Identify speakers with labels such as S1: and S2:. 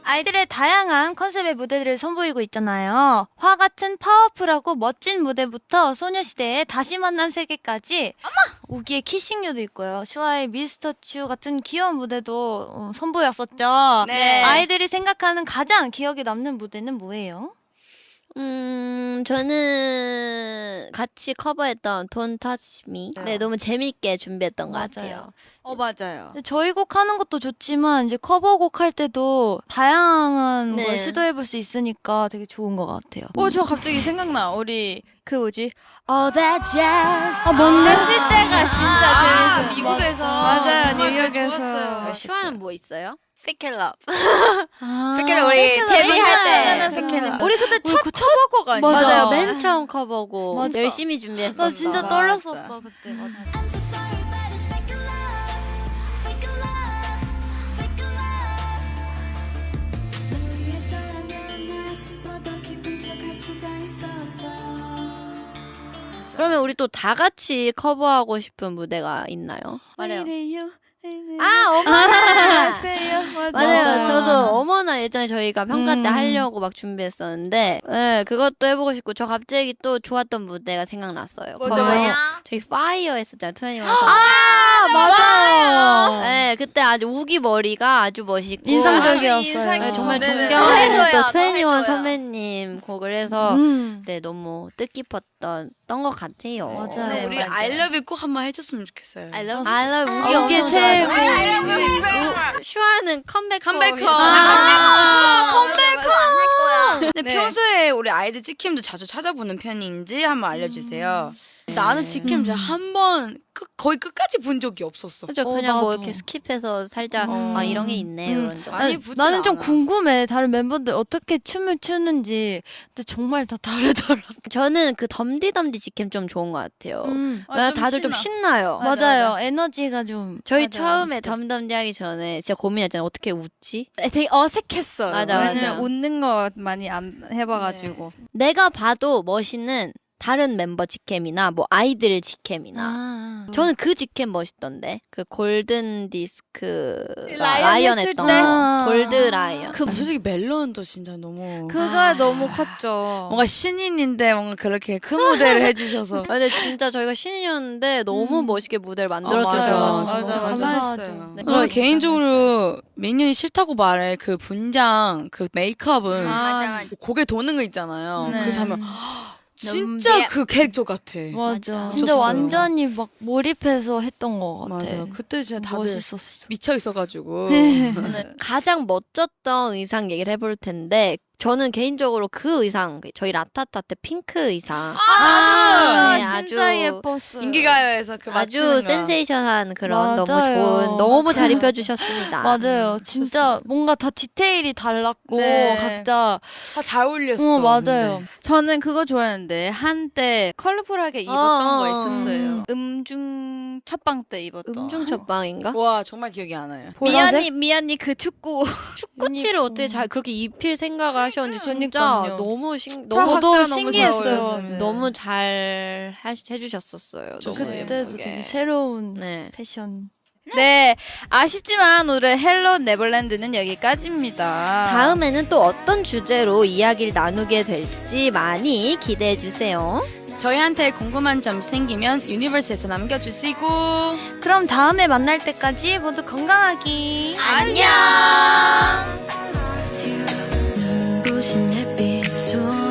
S1: 아이들의 다양한 컨셉의 무대들을 선보이고 있잖아요. 화 같은 파워풀하고 멋진 무대부터 소녀시대의 다시 만난 세계까지 우기의 키싱유도 있고요. 슈아의 미스터 츄 같은 귀여운 무대도 선보였었죠.
S2: 네.
S1: 아이들이 생각하는 가장 기억에 남는 무대는 뭐예요?
S3: 저는 같이 커버했던 Don't Touch Me. 네, 너무 재밌게 준비했던 것 같아요.
S2: 맞아요.
S1: 저희 곡 하는 것도 좋지만 이제 커버곡 할 때도 다양한
S3: 네.
S1: 걸 시도해볼 수 있으니까 되게 좋은 것 같아요.
S2: 저 갑자기 생각나. 우리 그 뭐지? All that jazz.
S1: 맞네.
S2: 했을 때가 진짜 재밌어요.
S4: 미국에서
S2: 맞아요,
S4: 정말
S2: 뉴욕에서.
S4: 좋았어요.
S3: 슈아는 뭐 있어요?
S2: Fake It Love.
S1: 아,
S2: Fake It Love 우리 데뷔할 때.
S3: Fake It Love.
S2: 우리 그때 첫
S1: 그
S2: 커버곡 아니야?
S1: 맞아.
S3: 맞아요. 맨 처음 커버고
S1: 맞아.
S3: 열심히 준비했었어.
S1: 나 진짜
S2: 맞아.
S1: 떨렸었어 그때. 맞아.
S3: 그러면 우리 또 다 같이 커버하고 싶은 무대가 있나요? 말해요. 어머나! 맞아요. 저도 어머나 예전에 저희가 평가 때 하려고 막 준비했었는데, 네, 그것도 해보고 싶고, 저 갑자기 또 좋았던 무대가 생각났어요.
S1: 뭐예요?
S3: 저희 파이어 했었잖아요, 21.
S1: 맞아요.
S3: 네, 그때 아주 우기 머리가 아주 멋있고.
S1: 인상적이었어요.
S3: 네, 정말
S2: 네네.
S3: 존경하는 또
S2: 해줘요,
S3: 21
S2: 해줘요.
S3: 선배님 곡을 해서,
S1: 음.
S3: 네, 너무 뜻깊었던 것 같아요.
S1: 맞아요.
S4: 네, 우리
S1: 맞아요.
S4: I love you 꼭 한번 해줬으면 좋겠어요.
S3: I love 우기
S1: 우기
S3: 엄청
S1: 최고.
S3: 좋아해요. 슈아는 컴백홈.
S4: 컴백홈. 근데
S2: 네.
S4: 평소에 우리 아이들 찍힘도 자주 찾아보는 편인지 한번 알려주세요. 나는 직캠 한번 거의 끝까지 본 적이 없었어.
S3: 그죠? 그냥 뭐
S1: 나도.
S3: 이렇게 스킵해서 살짝 아 이런 게 있네 이런 거.
S4: 많이
S1: 아니,
S4: 보진
S1: 나는 좀
S4: 않아.
S1: 궁금해. 다른 멤버들 어떻게 춤을 추는지. 근데 정말 다 다르더라.
S3: 저는 그 덤디덤디 직캠 좀 좋은 것 같아요. 왜냐면
S2: 좀
S3: 다들 좀
S2: 신나.
S3: 신나요.
S1: 맞아요. 에너지가 좀.
S3: 저희
S1: 맞아.
S3: 처음에 덤덤디 하기 전에 진짜 고민했잖아요. 어떻게 웃지?
S2: 되게 어색했어요.
S3: 맞아,
S2: 왜냐면
S3: 맞아.
S2: 웃는 거 많이 안 해봐가지고.
S3: 내가 봐도 멋있는 다른 멤버 직캠이나 뭐 아이들 직캠이나 저는 그 직캠 멋있던데 그 골든 디스크 라이언
S2: 했을
S3: 했던
S2: 때?
S3: 거. 골드 라이언.
S4: 솔직히 멜론도 진짜 너무
S2: 그가 너무 컸죠.
S4: 뭔가 신인인데 뭔가 그렇게 큰 무대를 해주셔서
S3: 근데 진짜 저희가 신인이었는데 너무 멋있게 무대를
S4: 맞아.
S3: 만들어줘서
S4: 진짜
S2: 맞아.
S4: 감사했어요.
S3: 네.
S4: 저는 개인적으로 민현이 싫다고 말해 그 분장 그 메이크업은
S2: 맞아.
S4: 고개 도는 거 있잖아요.
S2: 네.
S4: 그 장면 진짜 그 캐릭터 같아.
S1: 맞아.
S3: 맞아.
S1: 진짜
S4: 미쳤어요.
S1: 완전히 막 몰입해서 했던 것 같아.
S4: 맞아. 그때 진짜 다들
S1: 멋있었어.
S4: 미쳐 있어가지고.
S3: 가장 멋졌던 의상 얘기를 해볼 텐데 저는 개인적으로 그 의상 저희 라타타 때 핑크 의상 네,
S2: 진짜 예뻤어요.
S4: 인기가요에서 그
S3: 아주
S4: 맞추는 거.
S3: 센세이션한 그런 너무
S1: 맞아요.
S3: 좋은 너무 잘 입혀주셨습니다.
S1: 맞아요. 진짜 뭔가 다 디테일이 달랐고
S2: 네.
S1: 각자
S4: 다 잘 어울렸어.
S1: 맞아요.
S2: 저는 그거 좋아했는데 한때 컬러풀하게 입었던 거 있었어요. 음중 첫방 때 입었던.
S3: 음중 첫방인가?
S4: 근데. 와 정말 기억이 안 나요.
S1: 보라색?
S2: 미연이 그 축구
S3: 축구티를 어떻게 잘 그렇게 입힐 생각을 하셨는지 진짜
S1: 그러니까요.
S3: 너무
S1: 저도
S2: 각자 너무
S1: 신기했어요.
S2: 잘
S3: 너무 잘 해주셨었어요. 너무
S1: 그때도
S3: 예쁘게.
S1: 되게 새로운
S3: 네.
S1: 패션.
S2: 네, 아쉽지만 오늘 헬로 네버랜드는 여기까지입니다.
S3: 다음에는 또 어떤 주제로 이야기를 나누게 될지 많이 기대해 주세요.
S4: 저희한테 궁금한 점 생기면 유니버스에서 남겨주시고
S1: 그럼 다음에 만날 때까지 모두 건강하기.
S3: 안녕.
S1: 눈부신 햇빛 속